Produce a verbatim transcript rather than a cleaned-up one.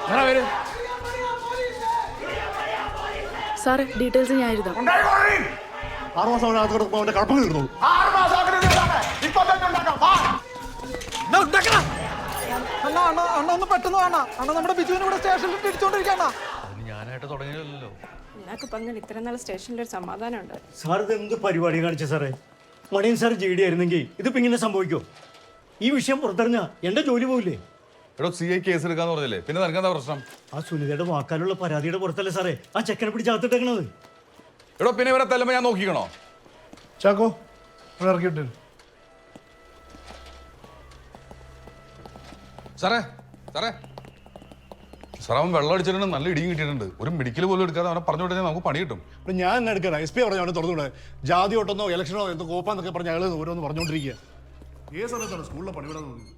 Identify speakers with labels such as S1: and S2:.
S1: സാറേ ഡീറ്റെയിൽസ് ഞാൻ എഴുതാം.
S2: ആറ് മാസം അവനകത്ത് കിടക്കുമ്പോൾ അവന്റെ കടപ്പ തീർന്നു.
S3: അണ്ണാ അണ്ണ അണ്ണ ഒന്ന് പെട്ടെന്ന് വേണ അണ്ണ നമ്മുടെ ബിജുവിനെ ഇവിടെ സ്റ്റേഷനിൽ ഇടിച്ചോണ്ടിരിക്കണ.
S4: ഞാനായിട്ട് തുടങ്ങിയല്ലോ.
S1: നിനക്ക് പറഞ്ഞാൽ ഇത്ര നാൾ സ്റ്റേഷനിൽ ഒരു സമാധാനം ഉണ്ട്.
S2: സാർ ഇത് എന്ത് പരിപാടി കാണിച്ച സാറേ? മണിയൻ സാർ ജി ഡി ആയിരുന്നെങ്കിൽ ഇതിപ്പോ ഇങ്ങനെ സംഭവിക്കോ? ഈ വിഷയം പുറത്തറിഞ്ഞാ എന്റെ ജോലി പോവില്ലേ?
S4: എടോ സി ഐ കേസ് എടുക്കാന്ന് പറഞ്ഞില്ലേ, പിന്നെ നിനക്കെന്താ പ്രശ്നം?
S2: ആ സുനിതയുടെ വാക്കാലുള്ള പരാതിയുടെ പുറത്തല്ലേ സാറേ ആ ചെക്കനെ പിടിച്ചകത്തിട്ടേക്കണത്?
S4: എടോ പിന്നെ ഇവരെ തല്ലുമ്പോ ഞാൻ നോക്കിക്കണോ?
S5: ചാക്കോ ഇറക്കിയിട്ട്
S4: സാറേ സാറേ സാർ അവൻ വെള്ളം അടിച്ചിട്ടുണ്ട്, നല്ല ഇടിയും കിട്ടിയിട്ടുണ്ട്. ഒരു മെഡിക്കൽ പോലും എടുക്കാതെ അവനെ പറഞ്ഞു വിട്ടാൽ നമുക്ക് പണി കിട്ടും.
S2: ഇപ്പം ഞാൻ എന്നെ എടുക്കണം. എസ് പി പറഞ്ഞു അവനെ തുറന്നുകൂടെ? ജാതി ഓട്ടെന്നോ ഇലക്ഷനോ എന്തോ കോപ്പാന്നൊക്കെ പറഞ്ഞ് അയാൾ ഓരോന്ന് പറഞ്ഞുകൊണ്ടിരിക്കുക.
S5: ഏത് സമയത്താണ് സ്കൂളിലെ പണിവിടാൻ തോന്നുന്നത്?